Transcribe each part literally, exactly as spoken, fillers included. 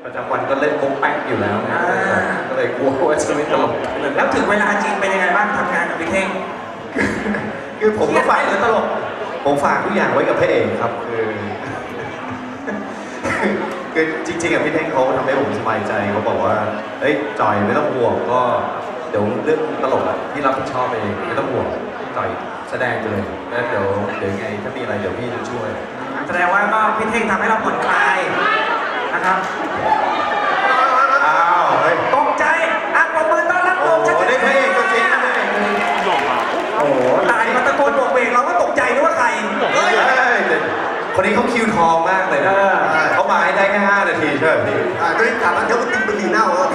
ประจำวันก็เล่นมุกแป๊กอยู่แล้วนะก็เลยกลัวว่าจะไม่ตลกแล้วถึงเวลาจริงเป็นยังไงบ้างทำงานกับพี่เท่งคือผมก็ฝากหรือตลกผมฝากทุกอย่างไว้กับพระเอกครับคือ คือจริงๆกับพี่เท่งเขาทำให้ผมสบายใจเขาบอกว่าเอ้ยจอยไม่ต้องห่วงก็เดี๋ยวเรื่องตลกอะที่รับผิดชอบเองไม่ต้องห่วงจอยแสดงไปเลยแล้วเดี๋ยวเดี๋ยวไงถ้ามีอะไรเดี๋ยวพี่จะช่วยแสดงว่าก็พี่เท่งทำให้เราผ่อนคลายนะครับอ้าวเฮ้ยตกใจอ่ะปรบมือต้อนรับโอ้โอมโหชัชได้พระเอกตัวจริงนะโอ้โหตายมาตะโกนโบกเวกเราก็ตกใจนึกว่าใครเฮ้ยคนนี้เขาคิวทองมากเลยนะเขามาให้ได้แค่ห้านาทีใช่ไหมพี่อ่าก็ได้กลับมาเดี๋ยวมันติดมันดีเน่าแล้ว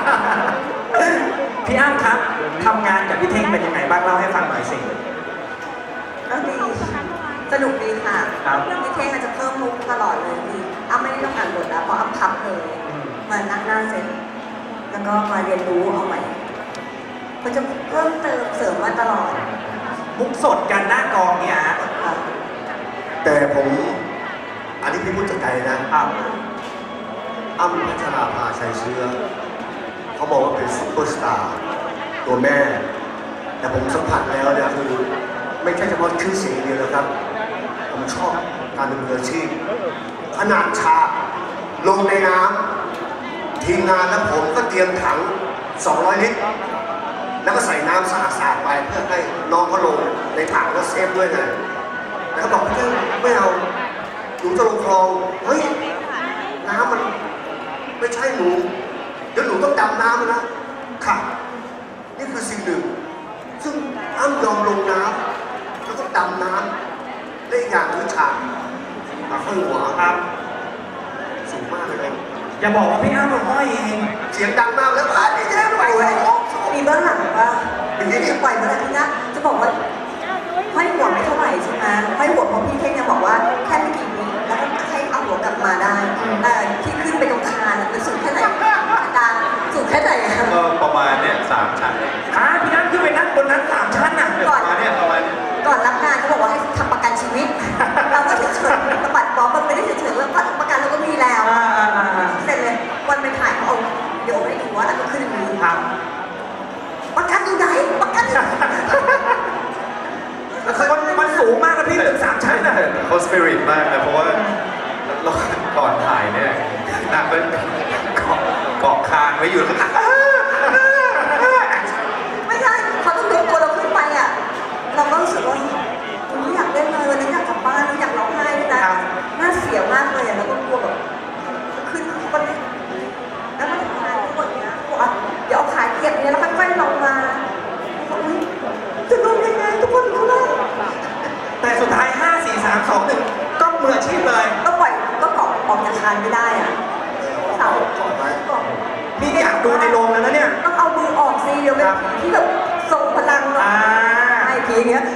พี่อ้ำครับทำงานกับพี่เท่งเป็นยังไงบ้างเล่าให้ฟังหน่อยสิก็ดีสนุกดีค่ะครับพี่เท่งอาจจะเพิ่มมุกตลอดเลยพี่อ้ำไม่ได้ต้องอ่านบทแล้วเพราะอ้ำพับเลยมานั่งหน้าเซ็ตแล้วก็มาเรียนรู้เอาใหม่มันจะเพิ่มเติมเสริมมาตลอดมุกสดกันหน้ากองเนี่ยฮะค่ะแต่ผมอันนี้พี่พูดจากใจนะครับ อ้ำพัชราภาชัยเชื้อเขาบอกว่าเป็นซุปเปอร์สตาร์ตัวแม่ แต่ผมสัมผัสแล้วเนี่ยคือไม่ใช่เฉพาะชื่อเสียงอย่างเดียวนะครับ ผมชอบการเป็นมืออาชีพขนาดฉากลงในน้ำทีมงานและผมก็เตรียมถัง สองร้อย ลิตร แล้วก็ใส่น้ำสะอาดๆไปเพื่อให้น้องเขาลงในถังแล้วเซฟด้วยไงแล้วก็บอกพี่เจ้าไม่เอาหนูจะลงคลอง เฮ้ย น้ำมันไม่ใช่หนู เดี๋ยวหนูต้องดำน้ำนะค่ะ นี่คือสิ่งหนึ่ง ซึ่งอ้ำยอมลงน้ำแล้วก็ดำน้ำได้อีกอย่างคือฉากปากข้างหัวครับสูงมากเลยนะอย่าบอกว่าพี่อ้ำเป็นห้อยเองเสียงดังมากแล้วอ่ะนี่แย่ไปเลยมีเบื้องหลังป่ะมีปล่อยเมื่อไหร่พี่นะจะบอกว่าห้อยหัวไม่เท่าไหร่ใช่ไหมห้อยหัวเพราะพี่เท่งยังบอกว่าแค่ไม่กี่วิแล้วก็ให้เอาหัวกลับมาได้แต่ที่ขึ้นไปตรงคานมันสูงแค่ไหนอาจารย์สูงแค่ไหนอะก็ประมาณเนี่ยสามชั้นเองอ่าพี่อ้ำขึ้นไปนั่งบนนั้นสามชั้นน่ะประมาณเนี่ยประมาณเนี่ยก่อนรับงานเขาบอกว่าให้ทำประกันชีวิต เราก็เฉยๆสะบัดบ๊อบมันไม่ได้เฉยๆว่าประกันเราก็มีแล้วอ่าอ่าอ่าอ่าเสร็จเลยวันไปถ่ายเขาเอาเดี๋ยวให้ดูว่าแล้วก็ขึ้นอย่างนี้ครับประกันอยู่ไหนประกันอยู่ไหนมันมันสูงมากนะพี่ถึงสามชั้นน่ะเขาสปิริตมากนะเพราะว่าเราก่อนถ่ายเนี่ยนางเป็นเกาะเกาะคางไว้อยู่แล้วก็ไม่ใช่เขาต้องยกตัวเราขึ้นไปอ่ะเราก็รู้สึกว่าไม่อยากเล่นเลยวันนี้อยากกลับบ้านอยากร้องไห้ด้วยนะน่าเสียมากเลยอ่ะแล้วก็กลัวแบบขึ้นเขาก็แล้วมันทำงานทั้งหมดเนี้ยบอกว่าเดี๋ยวเอาขาเก็บเนี่ยแล้วค่อยๆลงมาบอกอุ้ยจะลงยังไงทุกคนรู้แล้วแต่สุดท้ายห้า สี่ สาม สอง หนึ่งก็มืออาชีพเลยก็ปล่อยก็เกาะออกจากคานไม่ได้อ่ะเสาก่อนไว้เกาะพี่อยากดูในโรงแล้วนะเนี่ยต้องเอามือออกสิเดี๋ยวเป็นผีที่แบบทรงพลังเนาะอ่าไอ้ผีอย่างเงี้ย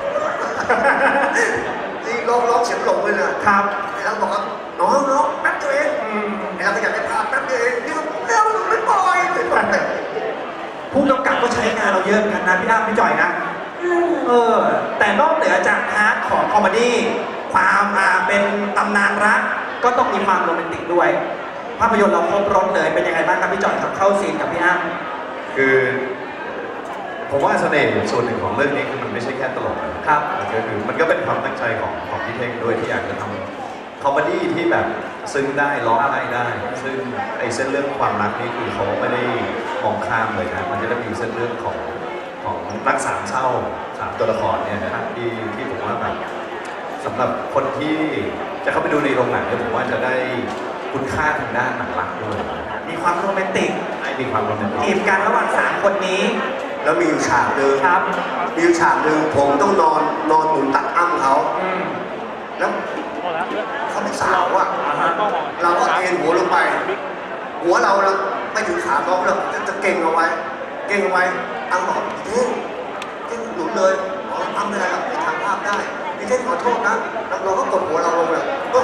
นี่ร้องร้องเสียงหลงเลยนะครับ ไอ้เราบอกว่าน้องน้องแป๊บเดียวเองอืมไอ้เราก็อยากได้ภาพแป๊บเดียวเองนี่ก็เร็วไม่ปล่อยไม่ปล่อยผู้กำกับก็ใช้งานเราเยอะเหมือนกันนะพี่อ้ำพี่จ่อยนะ เออ แต่นอกเหนือจากพาร์ทของคอมเมดี้ความอ่าเป็นตำนานรัก ก็ต้องมีความโรแมนติกด้วย ภาพยนตร์เราครบรถเลยเป็นยังไงบ้างครับพี่จ่อยครับเข้าซีนกับพี่อ้ำคือผมว่าเสน่ห์ส่วนหนึ่งของเรื่องนี้คือมันไม่ใช่แค่ตลกนะครับ มันก็คือมันก็เป็นความตั้งใจของของพี่เท่งด้วยที่อยากจะทำคอมเมดี้ที่แบบซึ้งได้ร้องไห้ได้ ซึ่งไอ้เส้นเรื่องความรักนี่คือเขาไม่ได้มองข้ามเลยนะมันจะได้มีเส้นเรื่องของของรักสามเศร้าสามตัวละครเนี่ยนะครับที่ที่ผมว่าแบบสำหรับคนที่จะเข้าไปดูในโรงหนังเนี่ยผมว่าจะได้คุณค่าทางด้านหนังรักด้วยมีความโรแมนติกให้มีความโรแมนติจีกบกันระหว่างสามคนนี้แล้วมีอยู่ฉากหนึ่งครับมีอยู่ฉากหนึ่งผมต้องนอนนอนหนุนตักอ้ำเขาอืมแล้วเขาเป็นสาวอ่ะอ่าฮะเราก็เอ็นหัวลงไป หัวเราเราไม่ถึงขาน้องเราจะจะเก่งเอาไว้ เก่งเอาไว้อ้ำบอกเท่งเท่งหนุนเลยอ๋ออ้ำไม่ได้หรอกไปทางภาพได้พี่เท่งขอโทษนะแล้วเราก็กดหัวเราลงเลย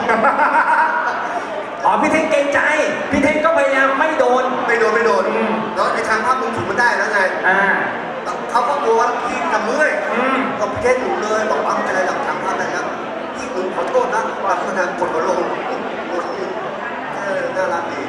อ๋อพี่เท่งเกรงใจ พี่เท่งก็พยายามไม่โดนไม่โดนไม่โดนอืมแล้วในทางภาพมึงถูกมันได้แล้วไงอ่าเขาก็กลัวว่าพี่จะเมื่อยอืมก็พี่เท่งหนุนเลยบอกว่าไม่เป็นไรหรอกทางภาพได้แล้วพี่หนุนขอโทษนะบางคนกดหัวลงเออน่ารักดี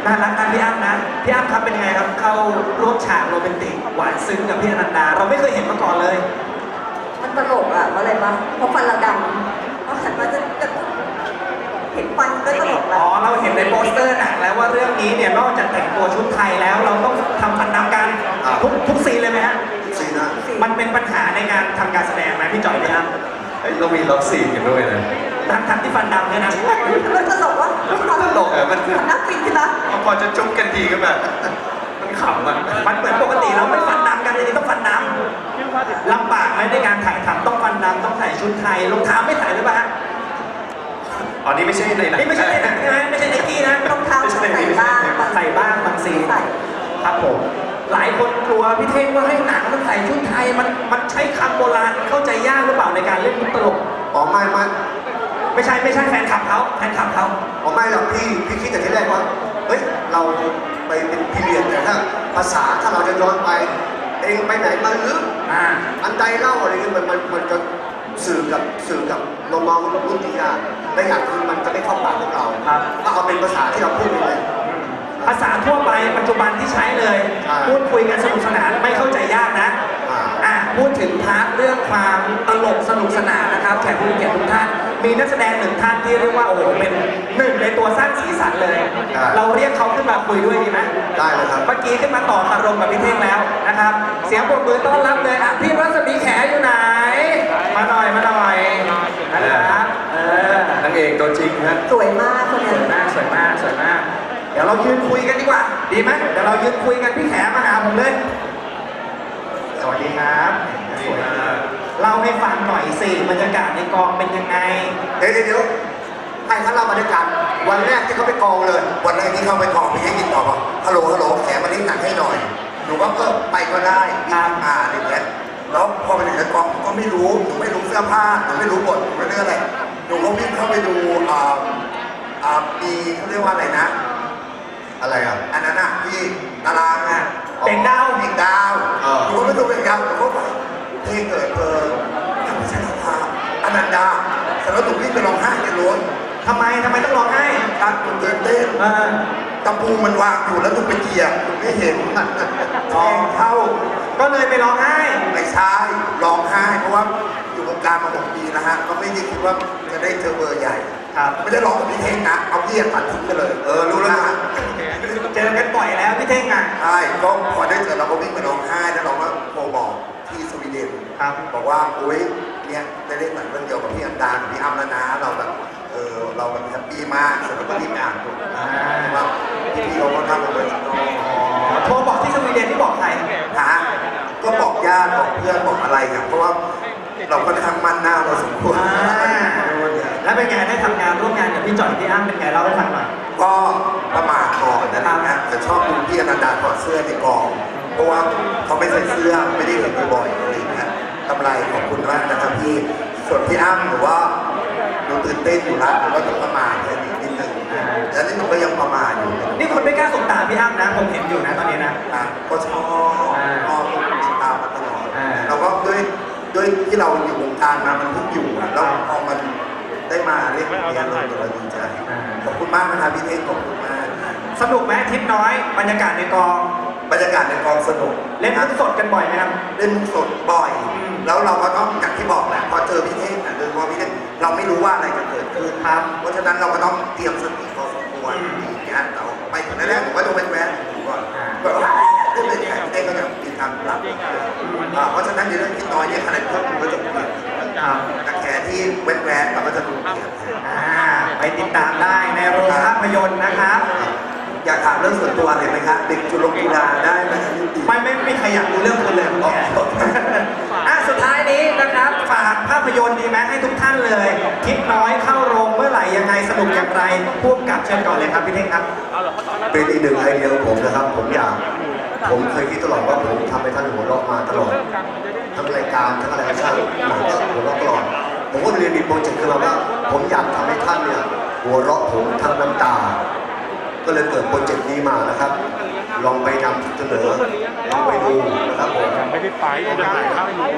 น่ารักนะพี่อ้ำนะพี่อ้ำครับเป็นไงครับเข้าร่วมฉากโรแมนติกหวานซึ้งกับพี่อนันดา เราไม่เคยเห็นมาก่อนเลยมันตลกอ่ะเพราะอะไรปะเพราะฟันเราดำเพราะหันมาจะจะเห็นฟันก็ตลกแล้อ๋วอเราเห็นในโปสเตอร์หนังแล้วว่าเรื่องนี้เนี่ยนอกจากแต่งตัวชุดไทยแล้วเราต้องทำฟันดำกันทุกทุกซีนเลยไหมฮะซีนะมันเป็นปัญหาในการทำการแสดงไหมพี่จ่อยพี่อ้ำเฮ้ยเรามีล็อกซีนกันด้วยนะทั้งทั้งที่ฟันดำเนี่ยนะมันตลกวะตลกอะมันมันน่าฟินใช่ไหมพอจะจุ๊บกันทีก็แบบ มันขำอ่ะมันเหมือนปกติเราไม่ฟันดำกันเลยนี่ต้องฟันดำลำบากไหมในการถ่ายทำต้องฟันดำต้องใส่ชุดไทยรองเท้าไม่ใส่หรือเปล่าฮะอ๋อนี่ไม่ใช่ในหนังนี่ไม่ใช่ในหนังใช่ไหมไม่ใช่ในกี้นะรองเท้าใส่บ้างบางใส่บ้างบางซีนใส่ครับผมหลายคนกลัวพี่เท่งว่าให้หนังมันใส่ชุดไทยมันมันใช้คำโบราณเข้าใจยากหรือเปล่าในการเล่นมุกตลกอ๋อไม่ไม่ไม่ใช่ไม่ใช่แฟนคลับเขาแฟนคลับเขาอ๋อไม่หรอกพี่พี่คิดแต่ที่แรกว่าเฮ้ยเราไปเป็นพีเรียดแต่ถ้าภาษาถ้าเราจะย้อนไป เองไปไหนมาหรืออ่าอันใดเล่าอะไรเงี้ยมันมันมันจะสื่อกับสื่อกับน้องๆรุ่นที่ยากและอย่างคือมันจะไม่เข้าปากพวกเราก็เอาเป็นภาษาที่เราพูดไปเลยภาษาทั่วไปปัจจุบันที่ใช้เลยใช่พูดคุยกันสนุกสนานไม่เข้าใจยากนะอ่าอ่ะพูดถึงพาร์ทเรื่องความตลกสนุกสนานนะครับแขกผู้มีเกียรติทุกท่านมีนักแสดงหนึ่งท่านที่เรียกว่าโอ้โหเป็นหนึ่งในตัวสร้างสีสันเลย เราเรียกเขาขึ้นมาคุยด้วยดีไหมได้เลยครับเมื่อกี้ขึ้นมาต่อคารมกับพี่เท่งแล้วนะครับ เสียงปรบมือต้อนรับเลยอ่ะพี่รัศมีแขอยู่ไหน มาหน่อยมาหน่อยนะครับเออนางเอกตัวจริงฮะสวยมากคนสเนี้วยมากสวยมากสวยมาก เดี๋ยวเรายืนคุยกันดีกว่า ดีไหมเดี๋ยวเรายืนคุยกันพี่แขมาหาผมเลย สวัสดีครับสวยมากเล่าให้ฟังหน่อยสิบรรยากาศในกองเป็นยังไงเดี๋ยวเดี๋ยวเดี๋ยวให้ท่านเล่าบรรยากาศวันแรกที่เขาไปกองเลยวันแรกที่เข้าไปกองพี่ให้ติดต่อบอกฮัลโหลฮัลโหลแขกมาเล่นหนังให้หน่อยหนูก็เออไปก็ได้ครับอ่าอะไรอย่างเงี้ยแล้วพอไปถึงในกองก็ไม่รู้หนูไม่รู้เสื้อผ้าหนูไม่รู้บทหนูไม่รู้อะไรหนูก็วิ่งเข้าไปดูอ่าอ่ามีเขาเรียกว่าอะไรนะอะไรอ่ะอันนั้นอ่ะที่ตารางอ่ะเด็กดาวเด็กดาวเออหนูก็ไปดูเด็กดาวหนูก็ไปเพลงเกิดเธอทำพิชาภาอนันดาแต่แล้วหนูวิ่งไปร้องไห้ในรถทำไมทำไมต้องร้องไห้การหนูตื่นเต้นเออตะปูมันวางอยู่แล้วหนูไปเหยียบหนูไม่เห็นแทงเข้าก็เลยไปร้องไห้ไม่ใช่ร้องไห้เพราะว่าอยู่วงการมาหกปีนะฮะก็ไม่ได้คิดว่าจะได้เจอเบอร์ใหญ่ครับไม่ได้ร้องกับพี่เท่งนะเอาเยียบตัดทิ้งไปเลยเออรู้แล้วนะฮะเจอกันบ่อยแล้วพี่เท่งอ่ะใช่ก็พอได้เจอเราก็วิ่งไปร้องไห้แล้วเราก็โทรบอกที่สวีเดนครับบอกว่าโอ๊ยเนี่ยได้เล่นหนังเรื่องเดียวกับพี่อันดากับพี่อ้ำแล้วนะเราแบบเออเราแบบแฮปปี้มากเสร็จแล้วก็รีบอ่านดูอ่าว่าพี่ๆเขาก็ทำเอาไว้โทรบอกที่สวีเดนที่บอกใครหาก็บอกญาติบอกเพื่อนบอกอะไรอย่างเพราะว่าเราค่อนข้างมั่นหน้าเราสมควรอ่า แล้วเป็นไงได้ทำงานร่วมงานกับพี่จ่อยพี่อ้ำเป็นไงเล่าให้ฟังหน่อยก็ประมาทก่อนนะครับนะแต่ชอบดูพี่อนันดาถอดเสื้อในกอง เพราะว่าเขาไม่ใส่เสื้อไม่ได้เห็นบ่อยๆอะไรอย่างเงี้ยกำไรขอบคุณมากนะครับพี่ส่วนพี่อ้ำหรือว่าหนูตื่นเต้นอยู่แล้วหนูก็ต้องประมาทเลยนิดนึงแล้วนี่หนูก็ยังประมาทอยู่นี่คนไม่กล้าสบตาพี่อ้ำนะ ผมเห็นอยู่นะตอนนี้นะอ่ะก็ชอบชอบติดตามมาตลอดอ่าเราก็ด้วยด้วยที่เราอยู่วงการมามันเพิ่งอยู่อ่ะแล้วพอมันได้มาเล่นอย่างเงี้ยเราเราดีใจขอบคุณมากนะครับพี่เท่งขอบคุณมากสนุกไหมทิปน้อย บรรยากาศในกองบรรยากาศในกองสนุกเล่นมุกสดกันบ่อยไหมครับเล่นมุกสดบ่อยอืมแล้วเราก็ต้องอย่างที่บอกแหละพอเจอพี่เท่งอ่ะโดยเฉพาะพี่เท่งเราไม่รู้ว่าอะไรจะเกิดขึ้นครับเพราะฉะนั้นเราก็ต้องเตรียมสติพอสมควรอืมอย่างเงี้ยเราไปถึงแรกๆผมก็จะแวะๆดูก่อนอ่าแบบว่าเล่นเป็นแขกพี่เท่งก็จะมีการปรับอ่าเพราะฉะนั้นในเรื่องที่น้อยเนี่ยคะแนนเพิ่มคุณก็จะเปลี่ยนครับแต่แขกที่แวะๆเราก็จะดูเปลี่ยนอ่าไปติดตามได้ในโรงภาพยนตร์นะครับอยากถามเรื่องส่วนตัวเลยไหมครับเด็กจุฬากีฬาได้ไหมครับยุติไม่ไม่ไม่มีใครอยากรู้เรื่องคุณเลยคุณแขกอ่ะสุดท้ายนี้นะครับ ฝากภาพยนตร์ดีไหมให้ทุกท่านเลยคิดน้อยเข้าโรงเมื่อไหร่ยังไงสนุกอย่างไรพูดกับเชิญก่อนเลยครับพี่เท่งครับเป็นอีกหนึ่งไอเดียของผมนะครับ ผมอยาก ผมเคยคิดตลอดว่าผมทำให้ท่านหัวเราะมาตลอด ทั้งรายการทั้งอะไรก็ช่างหนังก็หัวเราะตลอด ผมก็เลยมีโปรเจกต์ขึ้นมาว่า ผมอยากทำให้ท่านเนี่ยหัวเราะผมทั้งน้ำตา ก็เลยเกิดโปรเจกต์นี้มานะครับ ลองไปนำเสนอลองไปดูนะครับผมไม่ได้ไปยังถ่ายภาพอยู่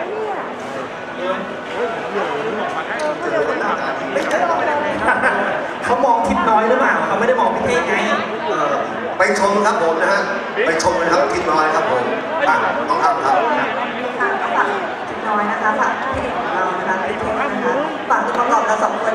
เจอคนหน้าตาดีไม่ใช่เขามองคิดน้อยหรือเปล่าเขาไม่ได้มองพี่เท่งไงเออไปชมครับผมนะฮะไปชมกันครับกินน้อยครับผมอ่ะน้องอ้ำครับค่ะก็ฝากถึงน้อยนะคะฝากพี่เอกของเรานะคะพี่เทคนะคะฝากตัวประกอบเราสองคน